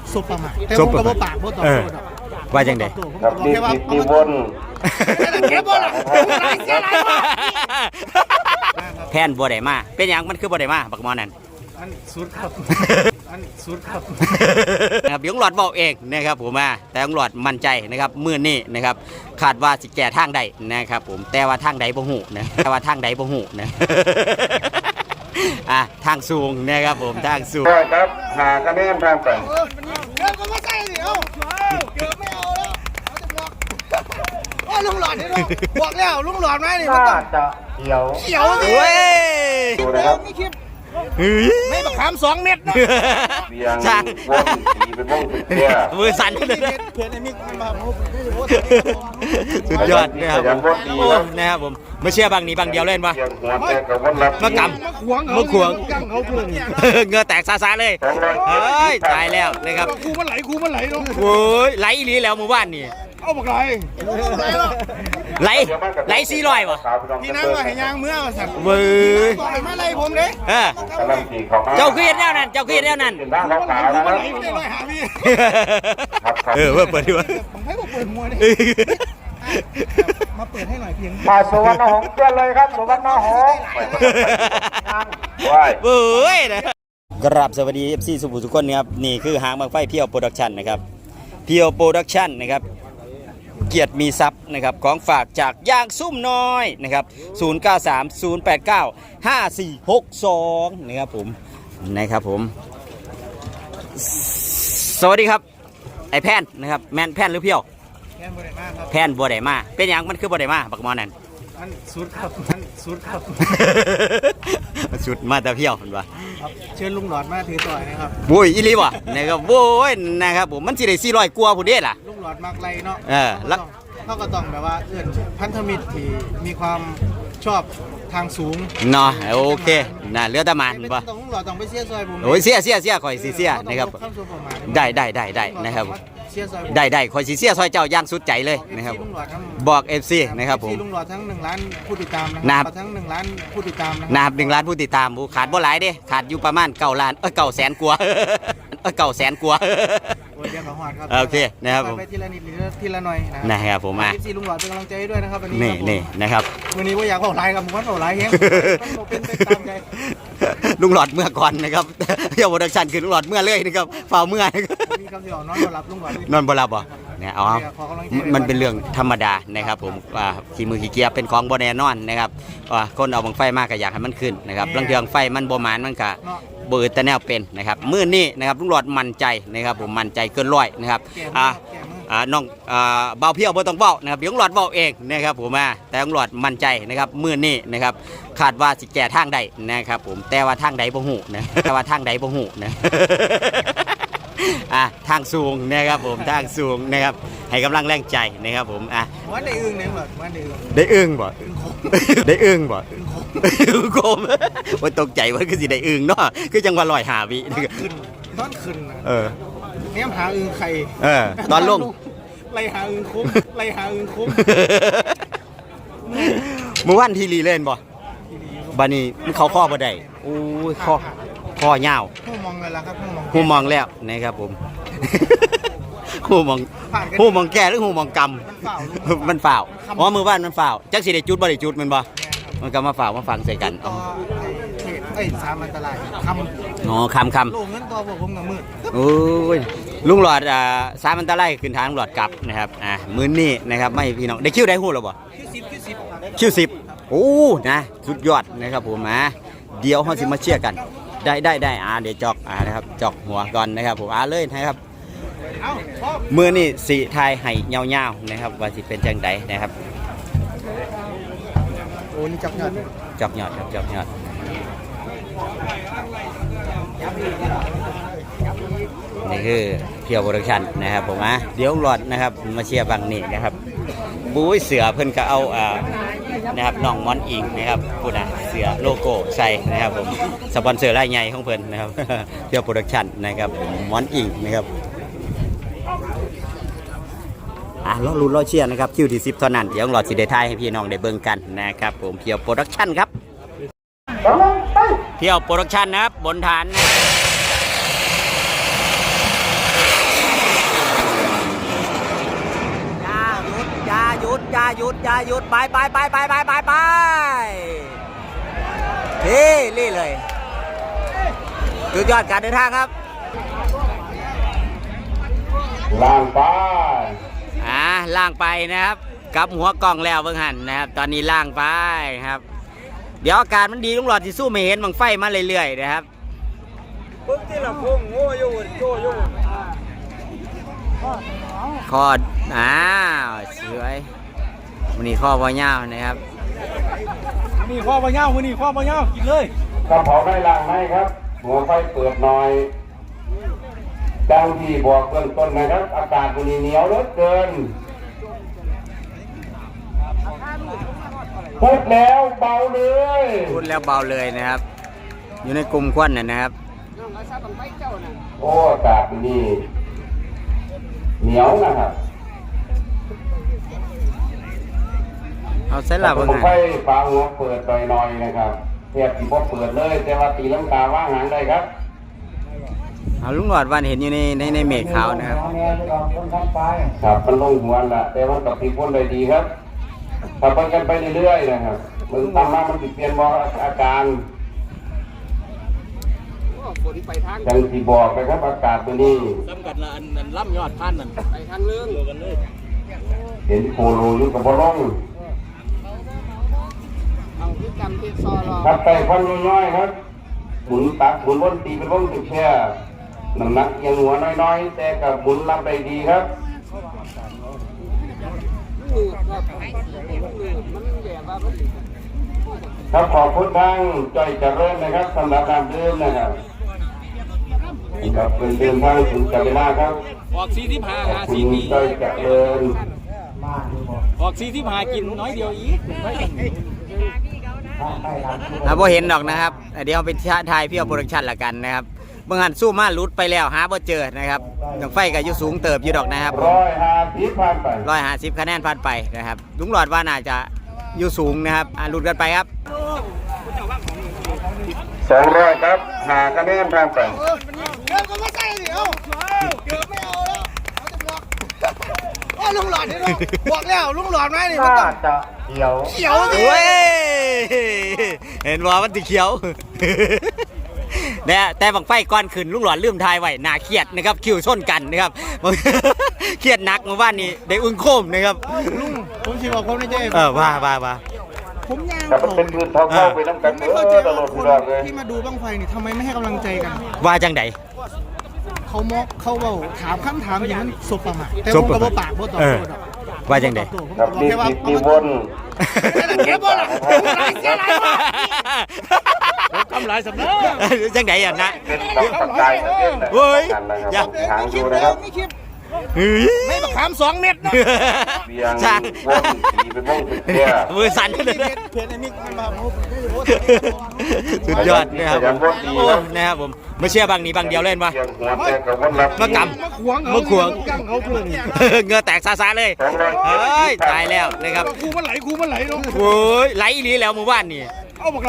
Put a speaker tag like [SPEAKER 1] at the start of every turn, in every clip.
[SPEAKER 1] ซุปประมาแต่ผมก็บ่ปากบ่ตอบโต้ดอก
[SPEAKER 2] ว่าจังได๋
[SPEAKER 3] ครับนี่วน
[SPEAKER 2] แพนบ่ได้มาเป็นหยังมันคือบ่ได้มาบักหมอนั่น
[SPEAKER 1] มันสุดครับมันสุดครับ
[SPEAKER 2] นะครับยงหลอดบอกเองนะครับผมแต่ยงหลอดมั่นใจนะครับมื้อนี้นะครับคาดว่าสิแก้ทางใดนะครับผมแต่ว่าทางใดบ่ฮู้นะแต่ว่าทางใดบ่ฮู้นะทางสูงนะครับผมทางสูง
[SPEAKER 3] ครับหาคะแนนทางไป
[SPEAKER 1] เกือบก็ไม่ใช่สิเกือบไม่เอาแล้วเอาจะบอกว่าลุงหลอดนี่บอกแล้วลุงหลอดไหมนี่มันต้อง
[SPEAKER 3] จะเขียว
[SPEAKER 1] สิ
[SPEAKER 2] เว้ย
[SPEAKER 3] ดูนะครับ
[SPEAKER 1] ไม่บักขาม2 เม็ดนะ
[SPEAKER 3] เบียงวงสีเป็นวงสีเตี้ย
[SPEAKER 2] มือสั่นเลย
[SPEAKER 1] เพื่อนไอ้มิกมา
[SPEAKER 2] สุดยอดนะครับโอ้นะครับผมไม่เชื่อบางนี้บางเดียวเล่นปะมากำมาขวงเงือแตกซาเลยเฮ้ยตายแล้วนะครับ
[SPEAKER 1] ครูมันไหลเนาะ
[SPEAKER 2] โอ้ยไหลอีหลีแล้วหมู่บ้านนี่
[SPEAKER 1] เอาบัก
[SPEAKER 2] ไหล400ป่ะ
[SPEAKER 1] พี่นั่งว่าให้ยางเมื่อสั่น
[SPEAKER 2] เว้ย
[SPEAKER 1] ต่อยมาไล่ผมเด้
[SPEAKER 2] เจ้าคือเห็นแนวนั้นเจ้าคือเห็นแนวนั้นว่าเปิดดีวะ
[SPEAKER 1] ให้ผมเปิดมวยมาเปิดให้หน่อยเพียง
[SPEAKER 3] สุวรรณหงส์เกินเลยครับสุวรรณหงส์
[SPEAKER 2] เว้ยนะกราบสวัสดี FC สุภูทุกคนนะครับนี่คือหางบังไฟเพียวโปรดักชั่นนะครับเพียวโปรดักชั่นนะครับเกียรติมีทรัพย์นะครับของฝากจากย่างซุ่มน้อยนะครับ0930895462นะครับผมสวัสดีครับไอแพนนะครับแมนแพนหรือเพียว
[SPEAKER 1] แพนบัวได้มาครับ
[SPEAKER 2] แพนบัวได้มาเป็นอย่างมันคือบัวได้มาบักมอนั่น
[SPEAKER 1] มันสุดครับมันสุดครับ
[SPEAKER 2] สุดมาแต่เพียวเห็นปะ
[SPEAKER 1] เชิญลุงหลอดมาถือต่อยนะครับ
[SPEAKER 2] โว้ยอีลีวะนะครับโว้ยนะครับผมมันสิได้400กว่าผู้เด้ล่ะ
[SPEAKER 1] ลุงหลอดมากไรเนาะ
[SPEAKER 2] แล้ว
[SPEAKER 1] เขาก็ต้องแบบว่าเอื้อนพันธมิตรที่มีความชอบทางสูง
[SPEAKER 2] เนาะโอเคนะเรือตะมัน
[SPEAKER 1] ป่ะต้องลุงหลอดต้องไปเสียซอยผม
[SPEAKER 2] โอ้ยเสียข่อยเสียนะครับได้นะครับได้ข่อยเสียซอยเจ้าย่างสุดใจเลยนะครับบอก FC นะครับผม
[SPEAKER 1] ลุงหลอดทั้ง1 ล้านผู้ติดตามนะครับทั้ง1 ล้านผู้ติดตาม
[SPEAKER 2] นะครับ1 ล้านผู้ติดตามขาดบ่หลายเด้ขาดอยู่ประมาณ9 ล้าน900,000กว่า900,000กว่าโอเคนะครับผม
[SPEAKER 1] ไปทีละนิดทีละหน่อย
[SPEAKER 2] นะครับผม
[SPEAKER 1] FC ลุงหลอดเป็นกำลังใจให้ด้วยนะครับวัน
[SPEAKER 2] นี้นะครับ
[SPEAKER 1] วันนี้ว่าอยากบอกไลน์กับผมว่าบอกไลน์เฮ้ยมันเป็นไปตามใจ
[SPEAKER 2] ลุงหลอดเมื่อก่อนนะครับเที่ยวโปรดักชั่นคือลุงหลอดเมื่อเลยนะครับฝ่าเมื่อ
[SPEAKER 1] มีคำเดียวนอนบ่หลับลุงหลอด
[SPEAKER 2] นอนบ่หลับบ่เนี่ยเอามันเป็นเรื่องธรรมดานะครับผมขี้มือขี้เกียร์เป็นของบ่แน่นอนนะครับคนเอาบังไฟมากก็อยากให้มันขึ้นนะครับเรื่องไฟมันบ่หมานมันก็เบิดแต่แนวเป็นนะครับมื้อนี้นะครับลุงหลอดมั่นใจนะครับผมมั่นใจเกิน100นะครับน้องเบาเพียวบ่ต้องเบานะครับลุงหลอดเบาเองนะครับผมแต่ลุงหลอดมั่นใจนะครับมื้อนี้นะครับคาดว่าสิแก้ทางใดนะครับผมแต่ว่าทางใดบ่ฮู้นะแต่ว่าทางใดบ่ฮู้นะทางสูงนะครับผมทางสูงนะครับให้กำลังแรงใจนะครับผม
[SPEAKER 1] มันได้อึ้งเนี่ยแบบมัน
[SPEAKER 2] ได้อึ้งบ่ได้อึ้งบ่โกมว่าตกใจว่าคือสิได้อึ้งเนาะคือจังว่า105 วิ
[SPEAKER 1] ตอนขึ้นเนี่ยหาอึ้งใคร
[SPEAKER 2] ตอนลง
[SPEAKER 1] ไล่หาอึ้งคุ้ม
[SPEAKER 2] เมื่อวันทีรีเล่นบ่บัดนี้มันเขาข้อบ่ได้โอ้ยข้อยาว
[SPEAKER 1] หูมองเลยล่ะครับ
[SPEAKER 2] หูมองแล้วนะครับผมหูมองแก่หรือหูมองกำมันฝ่าวมือบ้านมันฝ่าวจักสิได้จุดบ่ได้จุดมันบ่มันก็มาฝ่าวมาฟังใส่กัน
[SPEAKER 1] สามอันตราย
[SPEAKER 2] คำ
[SPEAKER 1] ลงเงินตัวผมกับมือ
[SPEAKER 2] โอ้ยลุงหลอดสามอันตรายขึ้นทางลุงหลอดกลับนะครับมื้อนี้นะครับไม่พี่น้องได้คิวได้หู้หรอบ่คิว10โอ้นะสุดยอดนะครับผมเดี๋ยวเฮาสิมาเชียร์กันได้เดี๋ยวจอกนะครับจอกหัวก่อนนะครับผมเลยนะครับมือนี่สีไทยไห่เงาๆนะครับว่าสิเป็นจังไดนะครับ
[SPEAKER 1] โอ้นี่จอกยอดครับ
[SPEAKER 2] จอกยอดนี่คือเพียวโปรดักชั่นนะครับผมเดี๋ยวหลอดนะครับมาเชียร์บังนี่นะครับบู๊ยเสือเพิ่นก็เอานะครับน้องมอนอิงนะครับพูดเสือโลโก้ใส่นะครับผมสปอนเซอร์รายใหญ่ของเพิ่นนะครับเพียวโปรดักชั่นนะครับมอนอิงนะครับรอเชียร์นะครับคิวที่10เท่านั้นเดี๋ยวหลอดสิได้ทายให้พี่น้องได้เบิ่งกันนะครับผมเพียวโปรดักชั่นครับเพียวโปรดักชั่นนะครับบนฐานาหยุดไปนี่เลยสุดยอดการเดินทางครับ
[SPEAKER 3] ล่างไป
[SPEAKER 2] ล่างไปนะครับกลับหัวกล่องแล้วเบิ่งหันนะครับตอนนี้ล่างไปครับเดี๋ยวอาการมันดีลุงหลอดที่สู้ไม่เห็นบังไฟมาเรื่อยๆนะครับปุ๊บที่ลำพุ่งโง่อยู่คอสวยวันนี้ข้อบ่ยาวนะครับ
[SPEAKER 1] นี่ข้อบ่ยาวนี่ข้อบ่ยาวกินเลย
[SPEAKER 3] ถ้าเผาได้ล่างไหมครับ หัวไฟเปิดหน่อยดังที่บอกเบื้องต้นนะครับ อากาศมันเหนียวเหลือเกินพูดแล้วเบาเลย
[SPEAKER 2] นะครับอยู่ในกลุ่มควันนะครับ
[SPEAKER 3] โอ้อากาศนี่เหนียวนะครับ
[SPEAKER 2] เอาเส้นหลับว่าไง
[SPEAKER 3] ไฟฟ้าหัวเปิดหน่อยนะครับเทียบที่พอเปิดเลยแต่ว่าตีลังกาว่างหางได้ครับ
[SPEAKER 2] เอาลุงหลอดวันเห็นอยู่ในเมฆขาวนะครับ
[SPEAKER 3] ครับมันลงหัวละแต่ว่ากับพี่พ่นเลยดีครับถ้าไปกันไปเรื่อยๆนะครับมึงตามมามันติดเปลี่ยนบอกอาการยังที่บอกไปครับอากาศตัวนี้
[SPEAKER 1] จำกัดละอันล่ำยอดพันนั่นไปทางเรื่องกันเลย
[SPEAKER 3] เห็นโคโลอยู่กับบอลงครับไต่ควันน้อยๆครับหมุนตักหมุนวนตีเป็นวงติดแช่น้ำหนักยังหัวน้อยๆแต่กับหมุนรับได้ดีครับครับขอบคุณทางจ้อยเจริญนะครับสำหรับการดื่มนะครับกับเป็นเดินทางถึงจักรวาลครับ
[SPEAKER 1] ออก45
[SPEAKER 3] คุณจ้อยเจริญ
[SPEAKER 1] ออก45กินน้อยเดียวอีก
[SPEAKER 2] พอเห็นดอกนะครับเดี๋ยวไปถ่ายพี่เอาโปรดักชั่นละกันนะครับเมื่อหันสู้มาลุดไปแล้วหาบ่เจอนะครับอย่างไฟกับยุสูงเติบอยู่ดอกนะครับ
[SPEAKER 3] 150ผ่านไป
[SPEAKER 2] 150คะแนนผ่านไปนะครับลุงหลอดว่าน่าจะยุสูงนะครับลุดกันไปครับ
[SPEAKER 3] 200ครับ5คะแนนผ่านไป
[SPEAKER 1] เกือบก็ไม่ใช่เดี๋ยวเกือบไม่เอาแล้วเอาจะบอกลุงหลอดนี่บอกแล้วลุงหลอดไหมนี่มันต้อง
[SPEAKER 3] จะเขียว
[SPEAKER 1] สิ
[SPEAKER 2] เห็นว่ามันติเขียวเนี่ยแต่บังไฟก้อนขึ้นลุงหลอดลืมทายไว้น่าเครียดนะครับคิวชนกันนะครับเครียดนักเมื่อวานนี้ได้อึ้งโคมนะครับ
[SPEAKER 1] ลุงผมชิบอกผมไม่ใช่
[SPEAKER 2] ว่า
[SPEAKER 1] ผมยาว
[SPEAKER 3] แต่มันเป็นพื้นท้องเข้าไปน้ำกัน
[SPEAKER 1] ไม่เข้าใจว่าคนที่มาดูบังไฟนี่ทำไมไม่ให้กำลังใจกัน
[SPEAKER 2] ว่าจังได
[SPEAKER 1] เขาเบาถามคำถามอย่างนั้นสบประมาทแต่ผมก็บ่ปากบ่ตอบ
[SPEAKER 2] ว่าจังได
[SPEAKER 3] ครับมีวน
[SPEAKER 1] เก็บบ่ล่ะกำไรสำนัก
[SPEAKER 2] จังไดอ่ะนะ
[SPEAKER 3] เป็นปัจจัย
[SPEAKER 2] เฮ้ย
[SPEAKER 3] อย่าหางดูนะครับ
[SPEAKER 1] ไม่บักขาม2 เม็ดนะ
[SPEAKER 3] เบียงวนสีเป็นวงติดแช่
[SPEAKER 2] มือสั่นเลย
[SPEAKER 1] เพจนี้มันมา
[SPEAKER 2] สุดยอดนะครับนะครับผมไม่เชื่อบางนี้บางเดียวเล่นวะมากำมาขวงเงือแตกซาเลยเฮ้ยตายแล้วนะครับ
[SPEAKER 1] คูมันไหลเนาะ
[SPEAKER 2] โอ้ยไหลอีหลีแล้วหมู่บ้านนี่
[SPEAKER 1] เอาบัก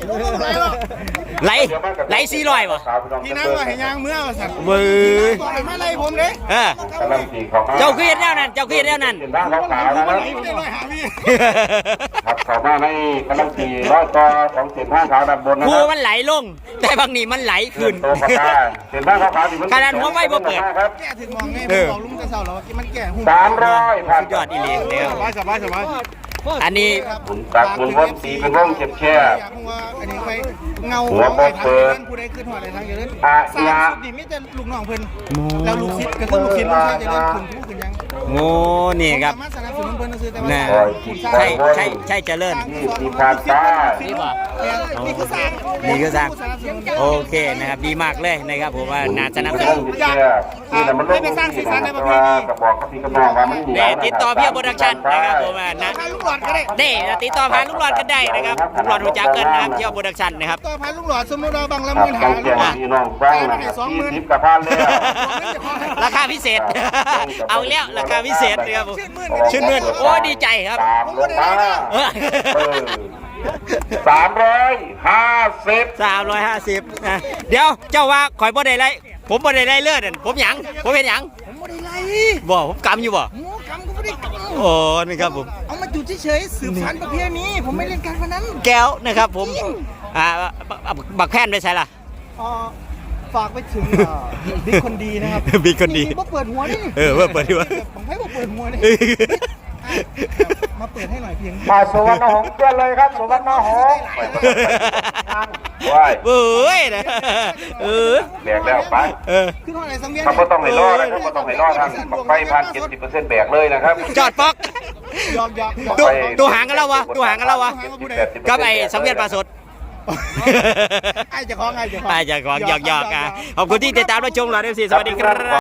[SPEAKER 2] ไหล400วะ
[SPEAKER 1] ที่นั่งว่าให้ยางเมื่อสั่น
[SPEAKER 2] มือ
[SPEAKER 1] บอกให้มาไล่ผมเด้
[SPEAKER 2] เจ้าคือเห็นแล้วนั่น
[SPEAKER 3] บ้านขาวนะครับขับเข้ามาในกำลังตีร้อยต่อของเส้นผ้าขาวด้านบนนะครับ
[SPEAKER 2] คูมันไหลลงแต่บางนี้มันไหลขึ้น
[SPEAKER 3] เส้นผ้าขาวที่มัน
[SPEAKER 2] ขนาดหัวไฟบ่เปิด
[SPEAKER 1] แก่ถึงมองไงบอกลุงจะเศร้าแล้วมันแก่หุ่น
[SPEAKER 3] 300
[SPEAKER 2] สุดยอดอีหลีเด้อ
[SPEAKER 1] สบาย
[SPEAKER 2] อันนี้
[SPEAKER 3] ตักวนวนสีเป็นวงแช่
[SPEAKER 1] อันนี้ไปเงา
[SPEAKER 3] หัวบดเปิด
[SPEAKER 1] ผู้ใดขึ้นหัวอะไรทางอย่างนั้นสร้างสุดนี่ไม่จะลูกน้องเพิ่นแล้วลูกศิษย์ก็คือลูกศิษย์ไม่ใช่จะเล่นคุณผู้ขึ้นยัง
[SPEAKER 2] โง่นี่ครับใช่เจริญ
[SPEAKER 3] นี่ผ่านตา
[SPEAKER 1] นี่คือสร้าง
[SPEAKER 2] โอเคนะครับดีมากเลยนะครับผมว่าน่าจะนำเสนอ
[SPEAKER 1] ไม่ไปสร้างสีสันในประเทศนี้
[SPEAKER 2] ติดต่อพี่โปรดักชั่นนะครับผมนะได้ติดต่อผ่านลูกหลอดกันได้นะครับลูกหลอดหัวจักเกินนะครับเที่ยวโปรดักชั่นนะครับ
[SPEAKER 1] ต่อผ่านลูกหลอดสมมติเราบางละ10,000หาลูกหลอด
[SPEAKER 3] 20,000กับพันเลย
[SPEAKER 2] ราคาพิเศษเอาแล้วราคาพิเศษนะครับชื่นมื่นโอ้ดีใจครับ
[SPEAKER 3] 350
[SPEAKER 2] นะเดี๋ยวเจ้าว่าข่อยบ่ได้ไรผมบ่ได้ไรเลือดผมหยังผมเป็นหยัง
[SPEAKER 1] ผมบ่ได้ไร
[SPEAKER 2] บ่ผมกำอยู่บ่
[SPEAKER 1] กำก็ไม่ได้
[SPEAKER 2] โอ้นี่ครับผม
[SPEAKER 1] เอามาจจุดเฉยๆสืบสานประเพณีผมไม่เล่นการพนัน
[SPEAKER 2] แก้วนะครับผมบักแพนไปใช่ล่ะ
[SPEAKER 1] ฝากไปถึงบิ๊กคนดีนะครับ
[SPEAKER 2] บิ๊กคนดี
[SPEAKER 1] นี่เปิดหัวนี่
[SPEAKER 2] ว่าเปิดดีวะ
[SPEAKER 1] ผมให้บอกเปิดหัวนี่มาเปิดให้หน่อยเพียง
[SPEAKER 3] มาสุวรรณหงส์เพื่อนเลยครับสุวรรณหงส์ว้าย
[SPEAKER 2] เอ้ยนะ
[SPEAKER 3] แบกแล้วไป
[SPEAKER 1] ขึ้นห้องไหนสังเวียน
[SPEAKER 3] เขาก็ต้องให้รอดนะครับก็ต้องให้รอดทางบักไฟพัน70%แบกเลยนะครับ
[SPEAKER 2] จอดป๊อก
[SPEAKER 1] ยอก
[SPEAKER 2] ดูหางกันแล้ววะกับไอ้สังเวียนปลาสด
[SPEAKER 1] ไอ้เจ้าของ
[SPEAKER 2] หยอกขอบคุณที่ติดตามรับชมเราด้วยสิสวัสดีครับ